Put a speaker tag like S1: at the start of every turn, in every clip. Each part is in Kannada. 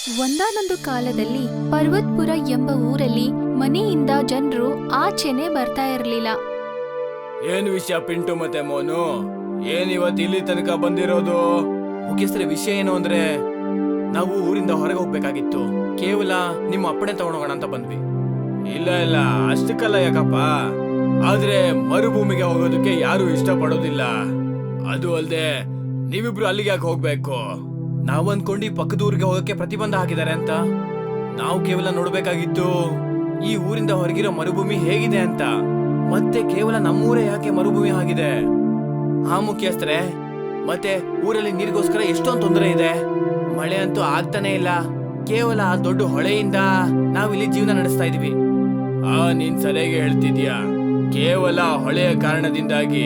S1: ಒಂದಾನೊಂದು ಕಾಲದಲ್ಲಿ ಪರ್ವತ್ಪುರ ಎಂಬ ಊರಲ್ಲಿ ಮನೆಯಿಂದ ಜನರು ಆಚೆನೆ ಬರ್ತಾ ಇರಲಿಲ್ಲ.
S2: ಏನ್ ವಿಷಯ ಪಿಂಟು ಮತ್ತೆ ಮೋನು, ಏನ್ ಇವತ್ತು ಇಲ್ಲಿ ತನಕ ಬಂದಿರೋದು? ಮುಖ್ಯಸ್ಥರ ವಿಷಯ ಏನು ಅಂದ್ರೆ, ನಾವು ಊರಿಂದ ಹೊರಗೆ ಹೋಗ್ಬೇಕಾಗಿತ್ತು. ಕೇವಲ ನಿಮ್ಮ ಅಪ್ಪಣೆ ತಗೊಂಡೋಗೋಣ ಅಂತ ಬಂದ್ವಿ. ಇಲ್ಲ ಇಲ್ಲ ಅಷ್ಟಕ್ಕಲ್ಲ ಯಾಕಪ್ಪ, ಆದ್ರೆ ಮರುಭೂಮಿಗೆ ಹೋಗೋದಕ್ಕೆ ಯಾರು ಇಷ್ಟ ಪಡೋದಿಲ್ಲ. ಅದು ಅಲ್ದೆ ನೀವಿಬ್ರು ಅಲ್ಲಿಗೆ ಯಾಕೆ ಹೋಗ್ಬೇಕು? ನಾವು ಅನ್ಕೊಂಡು ಈ ಪಕ್ಕದ ಊರಿಗೆ ಹೋಗಕ್ಕೆ ಪ್ರತಿಬಂಧ ಹಾಕಿದ್ದಾರೆ ಅಂತ. ನಾವು ಕೇವಲ ನೋಡ್ಬೇಕಾಗಿತ್ತು ಈ ಊರಿಂದ ಹೊರಗಿರೋ ಮರುಭೂಮಿ ಹೇಗಿದೆ ಅಂತ. ಮತ್ತೆ ಕೇವಲ ನಮ್ಮೂರೇ ಯಾಕೆ ಮರುಭೂಮಿ ಆಗಿದೆ? ಹಾ ಮುಖ್ಯಸ್ಥರೇ, ಮತ್ತೆ ಊರಲ್ಲಿ ನೀರಿಗೋಸ್ಕರ ಎಷ್ಟೊಂದು ತೊಂದರೆ ಇದೆ. ಮಳೆ ಅಂತೂ ಆಗ್ತಾನೆ ಇಲ್ಲ. ಕೇವಲ ಆ ದೊಡ್ಡ ಹೊಳೆಯಿಂದ ನಾವಿಲ್ಲಿ ಜೀವನ ನಡೆಸ್ತಾ ಇದೀವಿ. ನೀನ್ ಸರಿಯಾಗಿ ಹೇಳ್ತಿದ್ಯಾ. ಕೇವಲ ಹೊಳೆಯ ಕಾರಣದಿಂದಾಗಿ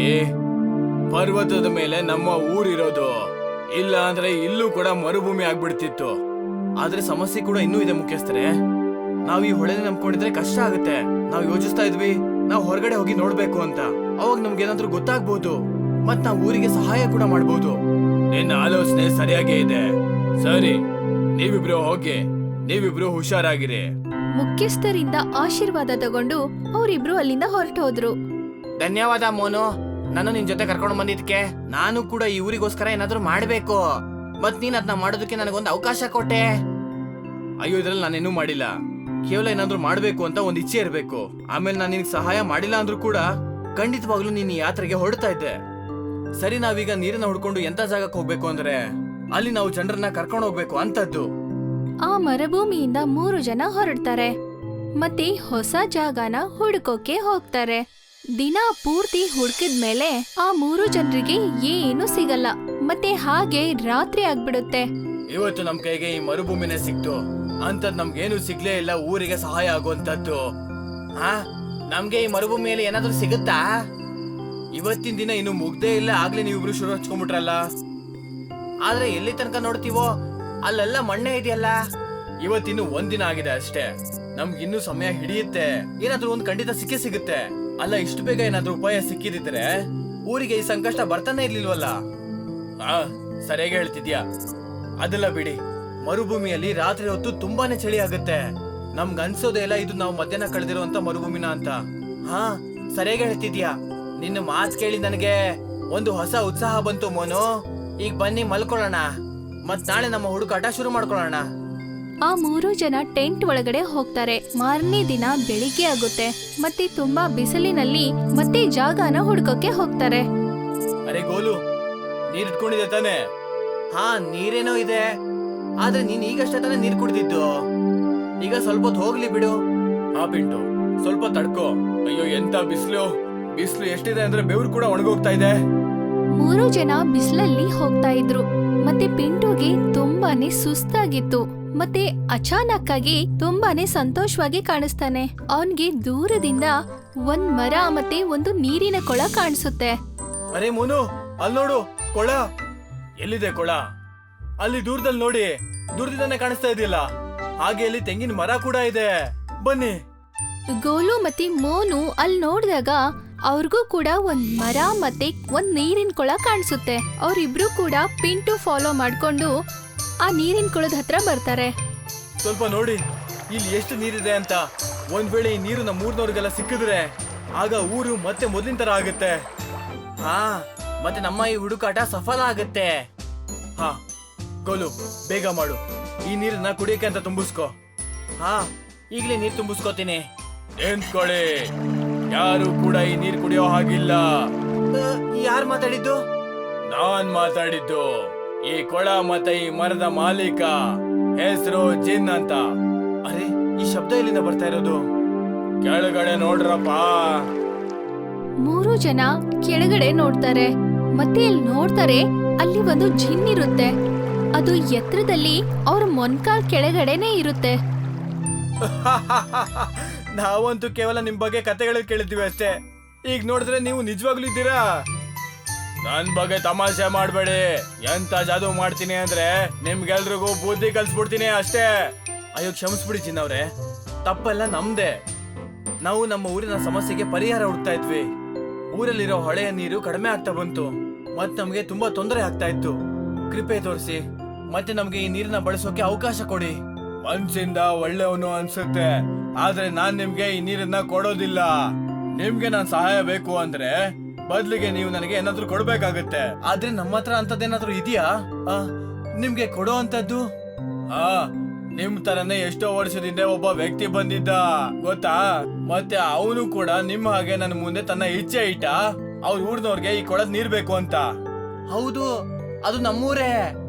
S2: ಪರ್ವತದ ಮೇಲೆ ನಮ್ಮ ಊರಿರೋದು. ಇಲ್ಲ ಅಂದ್ರೆ ಇಲ್ಲೂ ಕೂಡ ಮರುಭೂಮಿ ಆಗ್ಬಿಡ್ತಿತ್ತು. ಆದ್ರೆ ಸಮಸ್ಯೆ ಕೂಡ ಇನ್ನೂ ಇದೆ ಮುಖ್ಯಸ್ಥರೇ. ನಾವ್ ಈ ಹೊಳೆನ ನಂಬ್ಕೊಂಡಿದ್ರೆ ಕಷ್ಟ ಆಗುತ್ತೆ. ನಾವ್ ಯೋಚಿಸ್ತಾ ಇದ್ವಿ ನಾವ್ ಹೊರಗಡೆ ಹೋಗಿ ನೋಡ್ಬೇಕು ಅಂತ. ಅವಾಗ ನಮ್ಗೆ ಏನಾದ್ರೂ ಗೊತ್ತಾಗ್ಬೋದು, ಮತ್ ನಾವ್ ಊರಿಗೆ ಸಹಾಯ ಕೂಡ ಮಾಡ್ಬೋದು. ನಿನ್ನ ಆಲೋಚನೆ ಸರಿಯಾಗೇ ಇದೆ. ಸರಿ, ನೀವಿಬ್ರು ಹೋಗಿ, ನೀವಿಬ್ರು ಹುಷಾರಾಗಿರಿ.
S1: ಮುಖ್ಯಸ್ಥರಿಂದ ಆಶೀರ್ವಾದ ತಗೊಂಡು ಅವರಿಬ್ರು ಅಲ್ಲಿಂದ ಹೊರಟು ಹೋದ್ರು.
S2: ಧನ್ಯವಾದ ಮೋನು, ನಾನು ನಿನ್ ಜೊತೆ ಕರ್ಕೊಂಡು ಬಂದಿದ್ಕೆ. ನಾನು ಕೂಡ ಈ ಊರಿಗೋಸ್ಕರ ಏನಾದ್ರೂ ಮಾಡ್ಬೇಕು, ಮತ್ ನೀನ್ ಅದನ್ನ ಮಾಡೋದಕ್ಕೆ ನನಗೊಂದು ಅವಕಾಶ ಕೊಟ್ಟೆ. ಅಯ್ಯೋ, ಇದ್ರಲ್ಲಿ ನಾನೇನು ಮಾಡಿಲ್ಲ. ಕೇವಲ ಏನಾದ್ರೂ ಮಾಡ್ಬೇಕು ಅಂತ ಒಂದ್ ಇಚ್ಛೆ ಇರ್ಬೇಕು. ಆಮೇಲೆ ನಾನು ನಿನಗೆ ಸಹಾಯ ಮಾಡಿಲ್ಲ ಅಂದ್ರೂ ಕೂಡ ಖಂಡಿತವಾಗ್ಲೂ ನೀನ್ ಈ ಯಾತ್ರೆಗೆ ಹೊರಡ್ತಾ ಇದ್ದೆ. ಸರಿ, ನಾವೀಗ ನೀರನ್ನ ಹುಡ್ಕೊಂಡು ಎಂತ ಜಾಗಕ್ಕೆ ಹೋಗ್ಬೇಕು ಅಂದ್ರೆ ಅಲ್ಲಿ ನಾವು ಜನರನ್ನ ಕರ್ಕೊಂಡು ಹೋಗ್ಬೇಕು ಅಂತದ್ದು.
S1: ಆ ಮರುಭೂಮಿಯಿಂದ 3 ಜನ ಹೊರಡ್ತಾರೆ ಮತ್ತೆ ಹೊಸ ಜಾಗನ ಹುಡುಕೋಕೆ ಹೋಗ್ತಾರೆ. ದಿನ ಪೂರ್ತಿ ಹುಡುಕಿದ್ಮೇಲೆ ಆ 3 ಜನರಿಗೆ ಏನು ಸಿಗಲ್ಲ. ಮತ್ತೆ ಹಾಗೆ ರಾತ್ರಿ ಆಗ್ಬಿಡುತ್ತೆ.
S2: ಇವತ್ತು ನಮ್ ಕೈಗೆ ಈ ಮರುಭೂಮಿನೇ ಸಿಕ್ತು ಅಂತದ್ ನಮ್ಗೇನು ಸಿಗ್ಲೇ ಇಲ್ಲ ಊರಿಗೆ ಸಹಾಯ ಆಗುವಂತದ್ದು. ನಮ್ಗೆ ಈ ಮರುಭೂಮಿಯಲ್ಲಿ ಏನಾದ್ರೂ ಸಿಗುತ್ತಾ? ಇವತ್ತಿನ ದಿನ ಇನ್ನು ಮುಗ್ದೇ ಇಲ್ಲ, ಆಗ್ಲೇ ನೀವಿಬ್ರು ಶುರು ಹಚ್ಕೊಂಡ್ಬಿಟ್ರಲ್ಲ. ಆದ್ರೆ ಎಲ್ಲಿ ತನಕ ನೋಡ್ತೀವೋ ಅಲ್ಲೆಲ್ಲ ಮಣ್ಣೆ ಇದೆಯಲ್ಲ. ಇವತ್ತಿನ್ನು ಒಂದಿನ ಆಗಿದೆ ಅಷ್ಟೇ. ನಮ್ಗಿನ್ನೂ ಸಮಯ ಹಿಡಿಯುತ್ತೆ. ಏನಾದ್ರೂ ಒಂದ್ ಖಂಡಿತ ಸಿಕ್ಕೇ ಸಿಗುತ್ತೆ. ಅಲ್ಲ, ಇಷ್ಟು ಬೇಗ ಏನಾದ್ರೂ ಉಪಾಯ ಸಿಕ್ಕಿದಿದ್ರೆ ಊರಿಗೆ ಈ ಸಂಕಷ್ಟ ಬರ್ತಾನೆ ಇರ್ಲಿಲ್ವಲ್ಲ. ಸರಿಯಾಗಿ ಹೇಳ್ತಿದ್ಯಾ. ಅದೆಲ್ಲ ಬಿಡಿ, ಮರುಭೂಮಿಯಲ್ಲಿ ರಾತ್ರಿ ಹೊತ್ತು ತುಂಬಾನೇ ಚಳಿ ಆಗುತ್ತೆ. ನಮ್ಗ್ ಅನ್ಸೋದೇ ಇಲ್ಲ ಇದು ನಾವು ಮಧ್ಯಾಹ್ನ ಕಳೆದಿರುವಂತ ಮರುಭೂಮಿನ ಅಂತ. ಸರಿಯಾಗಿ ಹೇಳ್ತಿದ್ಯಾ. ನಿನ್ನ ಮಾತ್ ಕೇಳಿ ನನಗೆ ಒಂದು ಹೊಸ ಉತ್ಸಾಹ ಬಂತು ಮೋನು. ಈಗ ಬನ್ನಿ ಮಲ್ಕೊಳ್ಳೋಣ, ಮತ್ ನಾಳೆ ನಮ್ಮ ಹುಡುಕಾಟ ಶುರು ಮಾಡ್ಕೊಳ್ಳೋಣ.
S1: ಆ 3 ಜನ ಟೆಂಟ್ ಒಳಗಡೆ ಹೋಗ್ತಾರೆ. ಮಾರನೇ ದಿನ ಬೆಳಿಗ್ಗೆ ಆಗುತ್ತೆ ಮತ್ತೆ ತುಂಬಾ ಬಿಸಿಲಿನಲ್ಲಿ ಮತ್ತೆ ಜಾಗನ ಹುಡುಕೋಕೆ ಹೋಗ್ತಾರೆ.
S2: ಅರೆ ಗೋಲು, ನೀರ್ ಇಟ್ಕೊಂಡಿದೆ ತಾನೆ? ನೀರೇನೋ ಇದೆ, ಆದ್ರೆ ನೀನ್ ಈಗಷ್ಟೇ ತಾನೇ ನೀರ್ ಕುಡಿದಿದ್ದು. ಈಗ ಸ್ವಲ್ಪ ಹೊತ್ತು ಹೋಗ್ಲಿ ಬಿಡು. ಪಿಂಟು, ಸ್ವಲ್ಪ ತಡ್ಕೋ. ಅಯ್ಯೋ, ಎಂತ ಬಿಸಿಲು ಎಷ್ಟಿದೆ ಅಂದ್ರೆ ಬೆವರು ಕೂಡ ಒಣಗೋಗ್ತಾ ಇದೆ.
S1: 3 ಜನ ಬಿಸಿಲಲ್ಲಿ ಹೋಗ್ತಾ ಇದ್ರು ಮತ್ತೆ ಪಿಂಟುಗೆ ತುಂಬಾನೇ ಸುಸ್ತಾಗಿತ್ತು. ಮತ್ತೆ ಅಚಾನಕ್ ಆಗಿ ತುಂಬಾನೇ ಸಂತೋಷವಾಗಿ ಕಾಣಿಸ್ತಾನೆ. ಅವನ್ಗೆ ದೂರದಿಂದ ಒಂದ್ ಮರ ಮತ್ತೆ ಒಂದು ನೀರಿನ ಕೊಳ ಕಾಣಿಸುತ್ತೆ.
S2: ಅರೆ ಮೋನು, ಅಲ್ಲಿ ನೋಡು ಕೊಳ. ಎಲ್ಲಿದೆ ಕೊಳ? ಅಲ್ಲಿ ದೂರದಲ್ಲಿ ನೋಡಿ, ದೂರದಿಂದಾನೆ ಕಾಣಿಸ್ತಾ ಇದೆಯಲ್ಲ. ಹಾಗೆ ಅಲ್ಲಿ ತೆಂಗಿನ ಮರ ಕೂಡ ಇದೆ. ಬನ್ನಿ.
S1: ಗೋಲು ಮತ್ತೆ ಮೋನು ಅಲ್ಲಿ ನೋಡಿದಾಗ ಅವ್ರಿಗೂ ಕೂಡ ಒಂದ್ ಮರ ಮತ್ತೆ ಒಂದ್ ನೀರಿನ ಕೊಳ ಕಾಣಿಸುತ್ತೆ. ಅವ್ರಿಬ್ರು ಕೂಡ ಪಿಂಟು ಫಾಲೋ ಮಾಡ್ಕೊಂಡು ಆ ನೀರಿನ ಕೊಳದ ಹತ್ರ ಬರ್ತಾರೆ.
S2: ಸ್ವಲ್ಪ ನೋಡಿ ಇಲ್ಲಿ ಎಷ್ಟು ನೀರಿದೆ ಅಂತ. ಒಂದ್ ವೇಳೆ ಈ ನೀರು ನಮ್ಮ ಊರ್ನವ್ರಿಗೆಲ್ಲ ಸಿಕ್ಕಿದ್ರೆ ಆಗ ಊರು ಮತ್ತೆ ಮೊದಲಿನ ತರ ಆಗುತ್ತೆ. ಮತ್ತೆ ನಮ್ಮ ಈ ಹುಡುಕಾಟ ಸಫಲ ಆಗುತ್ತೆ. ಗೋಲು, ಬೇಗ ಮಾಡು. ಈ ನೀರನ್ನ ಕುಡಿಯಕ್ಕೆ ಅಂತ ತುಂಬಿಸ್ಕೋ. ಈಗ್ಲೇ ನೀರ್ ತುಂಬಿಸ್ಕೋತೀನಿ. ನಿಂತ್ಕೊಳ್ಳಿ, ಯಾರು ಕೂಡ ಈ ನೀರ್ ಕುಡಿಯೋ ಹಾಗಿಲ್ಲ. ಯಾರು ಮಾತಾಡಿದ್ದು? ನಾನ್ ಮಾತಾಡಿದ್ದು. ಈ ಕೊಳ ಮತ್ತೆ ಈ ಮರದ ಮಾಲೀಕ, ಹೆಸರು ಜಿನ್ ಅಂತ. ಅರೆ, ಈ ಶಬ್ದ ಎಲ್ಲಿಂದ ಬರ್ತಾ ಇರೋದು? ಕೆಳಗಡೆ ನೋಡ್ರಪ್ಪ.
S1: 3 ಜನ ಕೆಳಗಡೆ ನೋಡ್ತಾರೆ ಮತ್ತೆ ಅಲ್ಲಿ ನೋಡ್ತಾರೆ ಅಲ್ಲಿ ಒಂದು ಜಿನ್ ಇರುತ್ತೆ. ಅದು ಎತ್ತರದಲ್ಲಿ ಅವ್ರ ಮೊನ್ಕಾಲ್ ಕೆಳಗಡೆನೆ ಇರುತ್ತೆ.
S2: ನಾವಂತೂ ಕೇವಲ ನಿಮ್ ಬಗ್ಗೆ ಕತೆಗಳು ಕೇಳಿದ್ವಿ ಅಷ್ಟೇ. ಈಗ ನೋಡಿದ್ರೆ ನೀವು ನಿಜವಾಗ್ಲೂ ಇದ್ದೀರಾ. ನನ್ ಬಗ್ಗೆ ತಮಾಷೆ ಮಾಡ್ಬೇಡಿ. ಎಂತ ಜಾದೂ ಮಾಡ್ತೀನಿ ಅಂದ್ರೆ ನಿಮ್ಗೆಲ್ರಿಗೂ ಬುದ್ಧಿ ಕಲ್ಸ್ಬಿಡ್ತೀನಿ ಅಷ್ಟೇ. ಅಯ್ಯೋ, ಕ್ಷಮಿಸ್ಬಿಡಿ ಜಿನ್ ಅವ್ರೆ, ತಪ್ಪೆಲ್ಲ ನಮ್ದೆ. ನಾವು ನಮ್ಮ ಊರಿನ ಸಮಸ್ಯೆಗೆ ಪರಿಹಾರ ಹುಡುಕ್ತಾ ಇದ್ವಿ. ಊರಲ್ಲಿರೋ ಹೊಳೆಯ ನೀರು ಕಡಿಮೆ ಆಗ್ತಾ ಬಂತು, ಮತ್ ನಮ್ಗೆ ತುಂಬಾ ತೊಂದರೆ ಆಗ್ತಾ ಇತ್ತು. ಕೃಪೆ ತೋರಿಸಿ ಮತ್ತೆ ನಮ್ಗೆ ಈ ನೀರನ್ನ ಬಳಸೋಕೆ ಅವಕಾಶ ಕೊಡಿ. ಮನ್ಸಿಂದ ಒಳ್ಳೆಯವನು ಅನ್ಸುತ್ತೆ, ಆದ್ರೆ ನಾನ್ ನಿಮ್ಗೆ ಈ ನೀರನ್ನ ಕೊಡೋದಿಲ್ಲ. ನಿಮ್ಗೆ ನಾನ್ ಸಹಾಯ ಬೇಕು ಅಂದ್ರೆ ಬದ್ಲಿಗೆ ನೀವು ನನಗೆ ಏನಾದ್ರೂ ಕೊಡ್ಬೇಕಾಗತ್ತೆ. ಆದ್ರೆ ನಮ್ಮ ಹತ್ರ ಅಂತದ್ದೇನಾದ್ರೂ ಇದೆಯಾ ನಿಮ್ಗೆ ಕೊಡೋ ಅಂತದ್ದು? ನಿಮ್ ತರನೇ ಎಷ್ಟೋ ವರ್ಷದಿಂದ ಒಬ್ಬ ವ್ಯಕ್ತಿ ಬಂದಿದ್ದ ಗೊತ್ತಾ, ಮತ್ತೆ ಅವನು ಕೂಡ ನಿಮ್ಮ ಹಾಗೆ ನನ್ನ ಮುಂದೆ ತನ್ನ ಇಚ್ಛೆ ಇಟ್ಟ ಅವ್ರ ಊರ್ನವ್ರಿಗೆ ಈ ಕೊಳದ್ ನೀರ್ ಬೇಕು ಅಂತ. ಹೌದು, ಅದು ನಮ್ಮೂರೇ.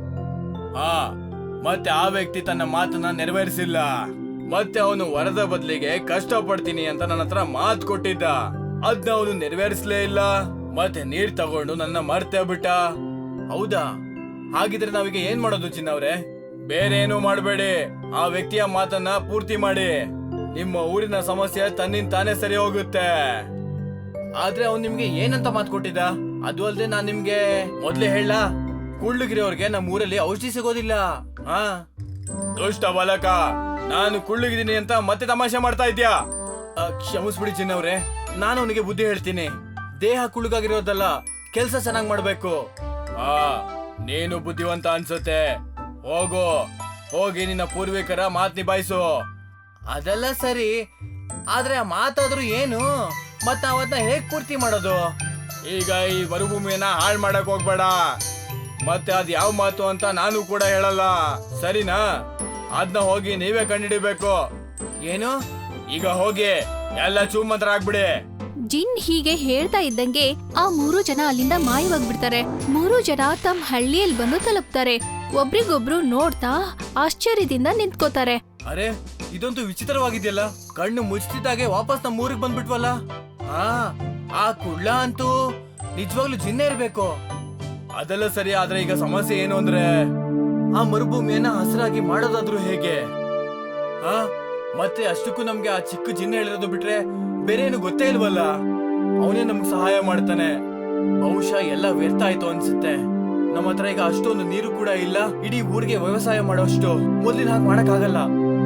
S2: ಮತ್ತೆ ಆ ವ್ಯಕ್ತಿ ತನ್ನ ಮಾತನ್ನ ನೆರವೇರಿಸಿಲ್ಲ. ಮತ್ತೆ ಅವನು ವರದ ಬದಲಿಗೆ ಕಷ್ಟ ಪಡ್ತೀನಿ ಅಂತ ನನ್ನ ಹತ್ರ ಮಾತು ಕೊಟ್ಟಿದ್ದ, ಅದ್ನ ಅವನು ನೆರವೇರಿಸಲೇ ಇಲ್ಲ. ಮತ್ತೆ ನೀರ್ ತಗೊಂಡು ನನ್ನ ಮರ್ತೇ ಬಿಟ್ಟ. ಹೌದಾ? ಹಾಗಿದ್ರೆ ನಾವೀಗ ಏನ್ ಮಾಡೋದು ಚಿನ್ನವ್ರೆ? ಬೇರೆ ಏನೂ ಮಾಡಬೇಡಿ, ಆ ವ್ಯಕ್ತಿಯ ಮಾತನ್ನ ಪೂರ್ತಿ ಮಾಡಿ. ನಿಮ್ಮ ಊರಿನ ಸಮಸ್ಯೆ ತನ್ನಿಂದ ತಾನೇ ಸರಿ ಹೋಗುತ್ತೆ. ಆದ್ರೆ ಅವ್ನು ನಿಮ್ಗೆ ಏನಂತ ಮಾತು ಕೊಟ್ಟಿದ್ದ? ಅದು ಅಲ್ಲದೆ ನಾನ್ ನಿಮ್ಗೆ ಮೊದ್ಲೇ ಹೇಳ, ಕುಳ್ಳುಗಿರೋರ್ಗೆ ನಮ್ಮ ಊರಲ್ಲಿ ಔಷಧಿ ಸಿಗೋದಿಲ್ಲ. ದುಷ್ಟ ಬಾಲಕ, ನಾನು ಕುಳ್ಳುಗಿದ್ದೀನಿ ಅಂತ ಮತ್ತೆ ತಮಾಷೆ ಮಾಡ್ತಾ ಇದ್ಯಾ? ಕ್ಷಮಿಸ್ಬಿಡಿ ಚಿನ್ನವ್ರೆ, ನಾನು ಅವನಿಗೆ ಬುದ್ಧಿ ಹೇಳ್ತೀನಿ. ದೇಹ ಕುಳ್ಳುಗಾಗಿರೋದಲ್ಲ, ಕೆಲ್ಸ ಚೆನ್ನಾಗ್ ಮಾಡ್ಬೇಕು. ನೀನು ಬುದ್ಧಿವಂತ ಅನ್ಸುತ್ತೆ. ಹೋಗಿ ನಿನ್ನ ಪೂರ್ವಿಕರ ಮಾತ್ ನಿಭಾಯಿಸು. ಅದೆಲ್ಲ ಸರಿ, ಆದ್ರೆ ಆ ಮಾತಾದ್ರೂ ಏನು? ಮತ್ತ ಅವನ್ನ ಹೇಗ್ ಪೂರ್ತಿ ಮಾಡೋದು? ಈಗ ಈ ಮರುಭೂಮಿಯನ್ನ ಹಾಳು ಮಾಡಕ್ ಹೋಗ್ಬೇಡ. ಮತ್ತೆ ಅದ್ ಯಾವ ಮಾತು ಅಂತ ನಾನು ಕೂಡ ಹೇಳಲ್ಲ, ಸರಿನಾ? ಅದನ್ನ ಹೋಗಿ ನೀವೇ ಕಂಡಿಡಿಬೇಕು. ಏನು? ಈಗ ಹೋಗಿ ಎಲ್ಲ ಚೂಮಂತ್ರ ಆಗ್ಬಿಡಿ.
S1: ಜಿನ್ ಹೀಗೆ ಹೇಳ್ತಾ ಇದ್ದಂಗೆ ಆ 3 ಜನ ಅಲ್ಲಿಂದ ಮಾಯವಾಗ್ಬಿಡ್ತಾರೆ. 3 ಜನ ತಮ್ಮ ಹಳ್ಳಿಯಲ್ಲಿ ಬಂದು ತಲುಪ್ತಾರೆ. ಒಬ್ರಿಗೊಬ್ರು ನೋಡ್ತಾ ಆಶ್ಚರ್ಯದಿಂದ ನಿಂತ್ಕೋತಾರೆ.
S2: ಅರೆ, ಇದಂತೂ ವಿಚಿತ್ರವಾಗಿದೆಯಲ್ಲ. ಕಣ್ಣು ಮುಚ್ಚಿದಾಗೆ ವಾಪಸ್ ನಮ್ಮ ಊರಿಗೆ ಬಂದ್ಬಿಟ್ವಲ್ಲ. ಆ ಕುಳ್ಳ ಅಂತೂ ನಿಜವಾಗ್ಲೂ ಜಿನ್ನೇ ಇರ್ಬೇಕು. ಅದೆಲ್ಲ ಸರಿ, ಆದ್ರೆ ಈಗ ಸಮಸ್ಯೆ ಏನು ಅಂದ್ರೆ ಆ ಮರುಭೂಮಿಯನ್ನ ಹಸಿರಾಗಿ ಮಾಡೋದಾದ್ರೂ ಹೇಗೆ? ಮತ್ತೆ ಅಷ್ಟಕ್ಕೂ ನಮ್ಗೆ ಆ ಚಿಕ್ಕ ಜಿನ್ನೆ ಹೇಳಿರೋದು ಬಿಟ್ರೆ ಬೇರೆ ಏನು ಗೊತ್ತೇ ಇಲ್ವಲ್ಲ. ಅವನೇ ನಮ್ಗೆ ಸಹಾಯ ಮಾಡ್ತಾನೆ. ಬಹುಶಃ ಎಲ್ಲ ವ್ಯರ್ಥ ಆಯ್ತು ಅನ್ಸುತ್ತೆ. ನಮ್ಮ ಹತ್ರ ಈಗ ಅಷ್ಟೊಂದು ನೀರು ಕೂಡ ಇಲ್ಲ, ಇಡೀ ಊರಿಗೆ ವ್ಯವಸಾಯ ಮಾಡೋಷ್ಟು. ಮೊದ್ಲಿನ ಹಾಗೆ ಮಾಡಕ್ಕಾಗಲ್ಲ.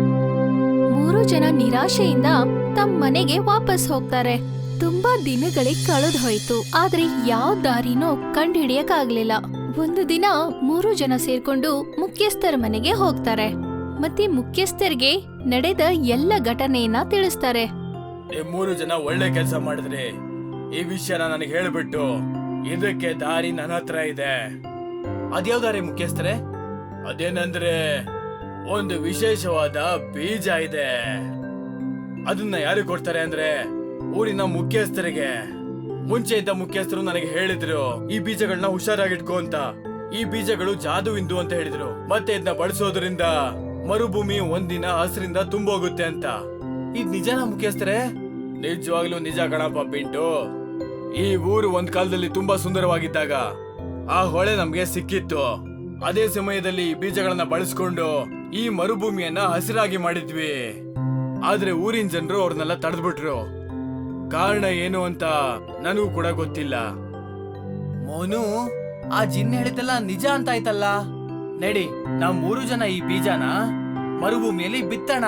S1: 3 ಜನ ನಿರಾಶೆಯಿಂದ ತಮ್ಮ ಮನೆಗೆ ವಾಪಸ್ ಹೋಗ್ತಾರೆ. ತುಂಬಾ ದಿನಗಳೇ ಕಳೆದು ಹೋಯ್ತು, ಆದ್ರೆ ಯಾವ ದಾರಿನೂ ಕಂಡುಹಿಡಿಯಕ್ಕಾಗ್ಲಿಲ್ಲ. ಒಂದು ದಿನ 3 ಜನ ಸೇರ್ಕೊಂಡು ಮುಖ್ಯಸ್ಥರ ಮನೆಗೆ ಹೋಗ್ತಾರೆ. ಮತ್ತೆ ಮುಖ್ಯಸ್ಥರಿಗೆ ನಡೆದ ಎಲ್ಲ ಘಟನೆಯನ್ನ ತಿಳಿಸ್ತಾರೆ.
S2: 3 ಜನ ಒಳ್ಳೆ ಕೆಲಸ ಮಾಡಿದ್ರಿ. ಈ ವಿಷಯನ ನನಗೆ ಹೇಳ್ಬಿಟ್ಟು ಇದಕ್ಕೆ ದಾರಿ ನನ್ನ ಹತ್ರ ಇದೆ. ಅದ್ಯಾವ ದಾರಿ ಮುಖ್ಯಸ್ಥರೇ? ಅದೇನಂದ್ರೆ ಒಂದು ವಿಶೇಷವಾದ ಬೀಜ ಇದೆ. ಅದನ್ನ ಯಾರು ಕೊಡ್ತಾರೆ ಅಂದ್ರೆ ಊರಿನ ಮುಖ್ಯಸ್ಥರಿಗೆ. ಮುಂಚೆ ಇದ್ದ ಮುಖ್ಯಸ್ಥರು ನನಗೆ ಹೇಳಿದ್ರು, ಈ ಬೀಜಗಳನ್ನ ಹುಷಾರಾಗಿಟ್ಕೋ ಅಂತ. ಈ ಬೀಜಗಳು ಜಾದುವಿಂದು ಅಂತ ಹೇಳಿದ್ರು. ಮತ್ತೆ ಇದನ್ನ ಬಳಸೋದ್ರಿಂದ ಮರುಭೂಮಿ ಒಂದಿನ ಹಸಿರಿಂದ ತುಂಬೋಗುತ್ತೆ ಅಂತ. ಇದ್ ನಿಜನಾ ಮುಖ್ಯಸ್ಥರೇ? ನಿಜವಾಗ್ಲೂ ನಿಜ ಕಣಪ್ಪ ಪಿಂಟು. ಈ ಊರು ಒಂದ್ ಕಾಲದಲ್ಲಿ ತುಂಬಾ ಸುಂದರವಾಗಿದ್ದಾಗ ಆ ಹೊಳೆ ನಮ್ಗೆ ಸಿಕ್ಕಿತ್ತು. ಅದೇ ಸಮಯದಲ್ಲಿ ಈ ಬೀಜಗಳನ್ನ ಬಳಸ್ಕೊಂಡು ಈ ಮರುಭೂಮಿಯನ್ನ ಹಸಿರಾಗಿ ಮಾಡಿದ್ವಿ. ಆದ್ರೆ ಊರಿನ ಜನರು ಅವ್ರನ್ನೆಲ್ಲ ತಡೆದ್ಬಿಟ್ರು. ಕಾರಣ ಏನು ಅಂತ ನನಗೂ ಕೂಡ ಗೊತ್ತಿಲ್ಲ. ಮೋನು, ಆ ಜಿನ್ ಹೇಳಿದ್ದಲ್ಲ ನಿಜ ಅಂತ ಆಯ್ತಲ್ಲ. ನಡಿ, ನಾವ್ 3 ಜನ ಈ ಬೀಜನ ಮರುಭೂಮಿಯಲ್ಲಿ ಬಿತ್ತಣ.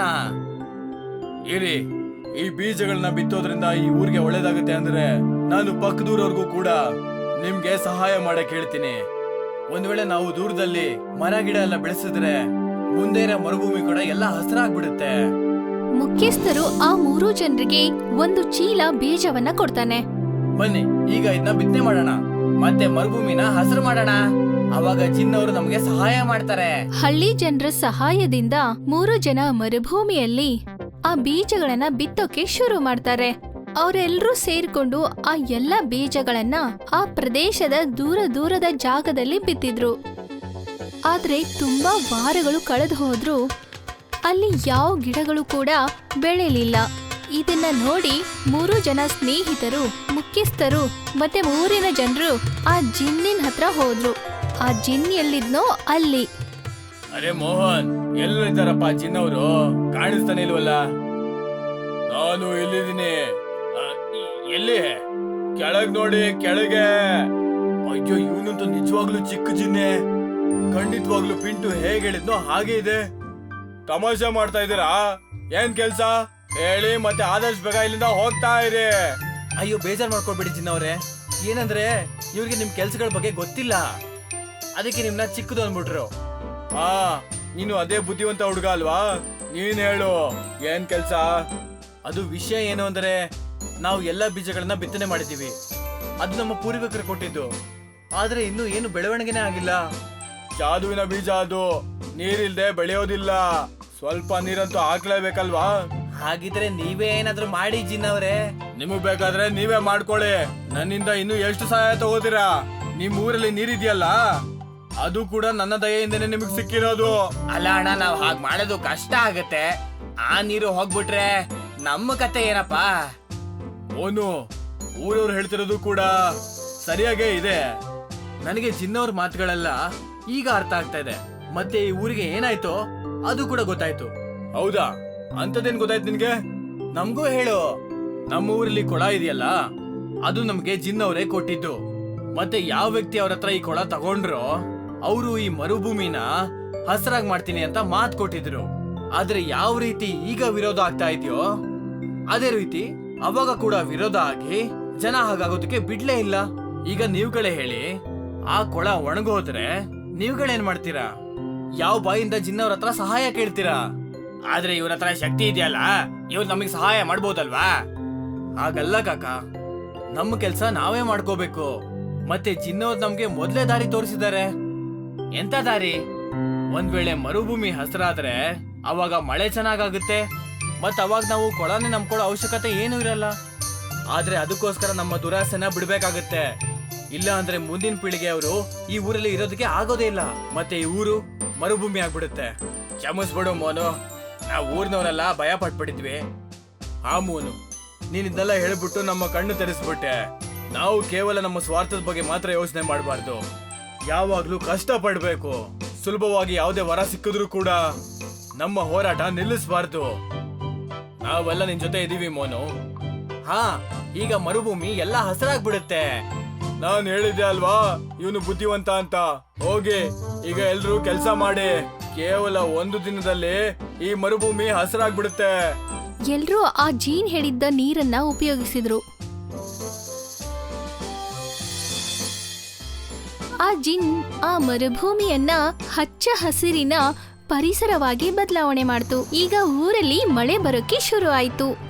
S2: ಇರಿ, ಈ ಬೀಜಗಳನ್ನ ಬಿತ್ತೋದ್ರಿಂದ ಈ ಊರಿಗೆ ಒಳ್ಳೇದಾಗುತ್ತೆ ಅಂದ್ರೆ ನಾನು ಪಕ್ಕದೂರವ್ರಿಗೂ ಕೂಡ ನಿಮ್ಗೆ ಸಹಾಯ ಮಾಡಕ್ ಹೇಳ್ತೀನಿ. ಒಂದ್ ವೇಳೆ ನಾವು ದೂರದಲ್ಲಿ ಮರ ಗಿಡ ಎಲ್ಲ ಬೆಳೆಸಿದ್ರೆ ಮುಂದೆ ಇರೋ ಮರುಭೂಮಿ ಕೂಡ ಎಲ್ಲ ಹಸಿರಾಗ್ಬಿಡುತ್ತೆ.
S1: ಮುಖ್ಯಸ್ಥರು ಆ 3 ಜನರಿಗೆ ಒಂದು ಚೀಲ ಬೀಜವನ್ನ ಕೊಡ್ತಾನೆ.
S2: ಬನ್ನಿ, ಈಗ ಇದನ್ನ ಬಿತ್ತನೆ ಮಾಡೋಣ, ಮತ್ತೆ ಮರುಭೂಮಿನ ಹಸಿರು ಮಾಡೋಣ. ಅವಾಗ ಜಿನ್ನವರು ನಮ್ಗೆ ಸಹಾಯ ಮಾಡ್ತಾರೆ.
S1: ಹಳ್ಳಿ ಜನರ ಸಹಾಯದಿಂದ 3 ಜನ ಮರುಭೂಮಿಯಲ್ಲಿ ಆ ಬೀಜಗಳನ್ನ ಬಿತ್ತೋಕೆ ಶುರು ಮಾಡ್ತಾರೆ. ಅವರೆಲ್ಲರೂ ಸೇರ್ಕೊಂಡು ಆ ಎಲ್ಲ ಬೀಜಗಳನ್ನ ಆ ಪ್ರದೇಶದ ದೂರದ ಜಾಗದಲ್ಲಿ ಬಿತ್ತಿದ್ರು. ಆದ್ರೆ ತುಂಬಾ ವಾರಗಳು ಕಳೆದು ಹೋದ್ರು ಅಲ್ಲಿ ಯಾವ ಗಿಡಗಳು ಕೂಡ ಬೆಳೆಯಲಿಲ್ಲ. ಇದನ್ನ ನೋಡಿ 3 ಜನ ಸ್ನೇಹಿತರು, ಮುಖ್ಯಸ್ಥರು ಮತ್ತೆ ಊರಿನ ಜನರು ಆ ಜಿನ್ನಿನ ಹತ್ರ ಹೋದ್ರು. ಆ ಜಿನ್ ಎಲ್ಲಿದ್ನೋ ಅಲ್ಲಿ.
S2: ಅರೆ ಮೋಹನ್, ಎಲ್ಲಿದ್ದಾರಪ್ಪ ಜಿನ್ನವರು? ಕಾಣಿಸ್ತಾನೆ ಇಲ್ವಲ್ಲ? ನಾನು ಇಲ್ಲಿದ್ದೀನಿ. ಎಲ್ಲಿ? ಕೆಳಗ್ ನೋಡಿ, ಕೆಳಗೆ. ಅಯ್ಯೋ, ಇವನಂತೂ ನಿಜವಾಗ್ಲೂ ಚಿಕ್ಕ ಜಿನ್ನೆ. ಖಂಡಿತವಾಗ್ಲೂ ಪಿಂಟು ಹೇಗೆ ಹೇಳಿದ್ನೋ ಹಾಗೆ ಇದೆ. ತಮಾಷೆ ಮಾಡ್ತಾ ಇದ್ದೀರಾ? ಏನ್ ಕೆಲ್ಸ ಹೇಳಿ, ಮತ್ತೆ ಆದಷ್ಟು ಬೇಗ ಇಲ್ಲಿಂದ ಹೋಗ್ತಾ ಇರಿ. ಅಯ್ಯೋ, ಬೇಜಾರ್ ಮಾಡ್ಕೊಳ್ಬೇಡಿ ಜಿನ್ನವ್ರೆ. ಏನಂದ್ರೆ ಇವ್ರಿಗೆ ನಿಮ್ ಕೆಲ್ಸಗಳ ಬಗ್ಗೆ ಗೊತ್ತಿಲ್ಲ, ಅದಕ್ಕೆ ನಿಮ್ನ ಚಿಕ್ಕದು ಅಂದ್ಬಿಟ್ರು. ನೀನು ಅದೇ ಬುದ್ಧಿವಂತ ಹುಡುಗ ಅಲ್ವಾ? ನೀನ್ ಹೇಳು, ಏನ್ ಕೆಲ್ಸ? ಅದು ವಿಷಯ ಏನು ಅಂದ್ರೆ, ನಾವು ಎಲ್ಲಾ ಬೀಜಗಳನ್ನ ಬಿತ್ತನೆ ಮಾಡಿದೀವಿ. ಅದು ನಮ್ಮ ಪೂರ್ವಿಕರು ಕೊಟ್ಟಿದ್ದು. ಆದ್ರೆ ಇನ್ನು ಏನು ಬೆಳವಣಿಗೆನೇ ಆಗಿಲ್ಲ. ಜಾದುವಿನ ಬೀಜ ಅದು, ನೀರಿಲ್ದೆ ಬೆಳೆಯೋದಿಲ್ಲ. ಸ್ವಲ್ಪ ನೀರಂತೂ ಹಾಕ್ಲೇಬೇಕಲ್ವಾ? ಹಾಗಿದ್ರೆ ನೀವೇ ಏನಾದ್ರೂ ಮಾಡಿ ಜಿನ್ನವ್ರೆ. ನಿಮಗ್ ಬೇಕಾದ್ರೆ ನೀವೇ ಮಾಡ್ಕೊಳ್ಳಿ. ನನ್ನಿಂದ ಇನ್ನು ಎಷ್ಟು ಸಹಾಯ ತಗೋತೀರಾ? ನಿಮ್ ಊರಲ್ಲಿ ನೀರಿದೆಯಲ್ಲ, ಅದು ಕೂಡ ನನ್ನ ದಯೆಯಿಂದನೇ ನಿಮಗ್ ಸಿಕ್ಕಿರೋದು. ಅಲ್ಲ ಅಣ್ಣ, ನಾವ್ ಹಾಗ್ ಮಾಡೋದು ಕಷ್ಟ ಆಗತ್ತೆ. ಆ ನೀರು ಹೋಗ್ಬಿಟ್ರೆ ನಮ್ಮ ಕತೆ ಏನಪ್ಪಾ? ಓನು, ಊರವ್ರು ಹೇಳ್ತಿರೋದು ಕೂಡ ಸರಿಯಾಗೇ ಇದೆ. ನನಗೆ ಜಿನ್ನವ್ರ ಮಾತುಗಳೆಲ್ಲ ಈಗ ಅರ್ಥ ಆಗ್ತಾ ಇದೆ. ಮತ್ತೆ ಈ ಊರಿಗೆ ಏನಾಯ್ತೋ ಅದು ಕೂಡ ಗೊತ್ತಾಯ್ತು. ಹೌದಾ? ಅಂತದೇನ್ ಗೊತ್ತಾಯ್ತು ನಿನ್ಗೆ? ನಮ್ಗೂ ಹೇಳು. ನಮ್ಮ ಊರಲ್ಲಿ ಕೊಳ ಇದೆಯಲ್ಲ, ಅದು ನಮ್ಗೆ ಜಿನ್ನವರೇ ಕೊಟ್ಟಿದ್ದು. ಮತ್ತೆ ಯಾವ ವ್ಯಕ್ತಿ ಅವ್ರ ಹತ್ರ ಈ ಕೊಳ ತಗೊಂಡ್ರೋ ಅವರು ಈ ಮರುಭೂಮಿನ ಹಸರಾಗ್ ಮಾಡ್ತೀನಿ ಅಂತ ಮಾತ್ ಕೊಟ್ಟಿದ್ರು. ಆದ್ರೆ ಯಾವ ರೀತಿ ಈಗ ವಿರೋಧ ಆಗ್ತಾ ಇದೆಯೋ ಅದೇ ರೀತಿ ಅವಾಗ ಕೂಡ ವಿರೋಧ ಆಗಿ ಜನ ಹಾಗಾಗೋದಕ್ಕೆ ಬಿಡ್ಲೇ ಇಲ್ಲ. ಈಗ ನೀವುಗಳೇ ಹೇಳಿ, ಆ ಕೊಳ ಒಣಗೋದ್ರೆ ನೀವುಗಳೇನ್ ಮಾಡ್ತೀರಾ? ಯಾವ ಬಾಯಿಂದ ಜಿನ್ನವ್ರ ಹತ್ರ ಸಹಾಯ ಕೇಳ್ತೀರಾ? ಆದ್ರೆ ಇವ್ರ ಹತ್ರ ಶಕ್ತಿ ಇದೆಯಲ್ಲ, ಇವ್ರು ನಮಗ್ ಸಹಾಯ ಮಾಡ್ಬೋದಲ್ವಾ? ಹಾಗಲ್ಲ ಕಾಕ, ನಮ್ಮ ಕೆಲ್ಸ ನಾವೇ ಮಾಡ್ಕೋಬೇಕು. ಮತ್ತೆ ಜಿನ್ನವ್ರು ನಮ್ಗೆ ಮೊದ್ಲೇ ದಾರಿ ತೋರಿಸಿದ್ದಾರೆ. ಎಂತ ದಾರಿ? ಒಂದ್ ವೇಳೆ ಮರುಭೂಮಿ ಹಸ್ರಾದ್ರೆ ಅವಾಗ ಮಳೆ ಚೆನ್ನಾಗಾಗುತ್ತೆ. ಮತ್ ಅವಾಗ ನಾವು ಕೊಳನೆ ನಂಬ್ಕೊಳ್ಳೋ ಅವಶ್ಯಕತೆ ಏನೂ ಇರಲ್ಲ. ಆದ್ರೆ ಅದಕ್ಕೋಸ್ಕರ ನಮ್ಮ ದುರಾಸೆನ ಬಿಡ್ಬೇಕಾಗತ್ತೆ. ಇಲ್ಲ ಅಂದ್ರೆ ಮುಂದಿನ ಪೀಳಿಗೆ ಅವರು ಈ ಊರಲ್ಲಿ ಇರೋದಕ್ಕೆ ಆಗೋದೇ ಇಲ್ಲ. ಮತ್ತೆ ಈ ಊರು ಮರುಭೂಮಿ ಆಗ್ಬಿಡುತ್ತೆ. ಕ್ಷಮಿಸ್ಬಿಡು ಮೋನು, ನಾವು ಊರ್ನವರೆಲ್ಲ ಭಯ ಪಟ್ಬಿಟ್ಟಿದ್ವಿ. ಆ ಮೋನು, ನೀನ್ ಇದನ್ನೆಲ್ಲ ಹೇಳ್ಬಿಟ್ಟು ನಮ್ಮ ಕಣ್ಣು ತೆರೆಸ್ಬಿಟ್ಟೆ. ನಾವು ಕೇವಲ ನಮ್ಮ ಸ್ವಾರ್ಥದ ಬಗ್ಗೆ ಮಾತ್ರ ಯೋಚನೆ ಮಾಡಬಾರ್ದು. ಯಾವಾಗ್ಲೂ ಕಷ್ಟ ಪಡ್ಬೇಕು. ಸುಲಭವಾಗಿ ಯಾವುದೇ ವರ ಸಿಕ್ಕಿದ್ರು ಕೂಡ ನಮ್ಮ ಹೋರಾಟ ನಿಲ್ಲಿಸಬಾರ್ದು. ನಾವೆಲ್ಲ ನಿನ್ ಜೊತೆ ಇದೀವಿ ಮೋನು. ಹಾ, ಈಗ ಮರುಭೂಮಿ ಎಲ್ಲ ಹಸರಾಗ್ಬಿಡುತ್ತೆ. ನಾನ್ ಹೇಳಿದ್ದೆ ಅಲ್ವಾ ಇವನು ಬುದ್ಧಿವಂತ ಅಂತ. ಹೋಗಿ ಈಗ ಎಲ್ರು ಕೆಲ್ಸ ಮಾಡಿ. ಕೇವಲ ಒಂದು ದಿನದಲ್ಲಿ ಈ ಮರುಭೂಮಿ ಹಸರಾಗ್ಬಿಡುತ್ತೆ.
S1: ಎಲ್ರೂ ಆ ಜೀನ್ ಹೇಳಿದ್ದ ನೀರನ್ನ ಉಪಯೋಗಿಸಿದ್ರು. ಆ ಜಿನ್ ಆ ಮರುಭೂಮಿಯನ್ನ ಹಚ್ಚ ಹಸಿರಿನ ಪರಿಸರವಾಗಿ ಬದಲಾವಣೆ ಮಾಡ್ತು. ಈಗ ಊರಲ್ಲಿ ಮಳೆ ಬರೋಕೆ ಶುರು ಆಯ್ತು.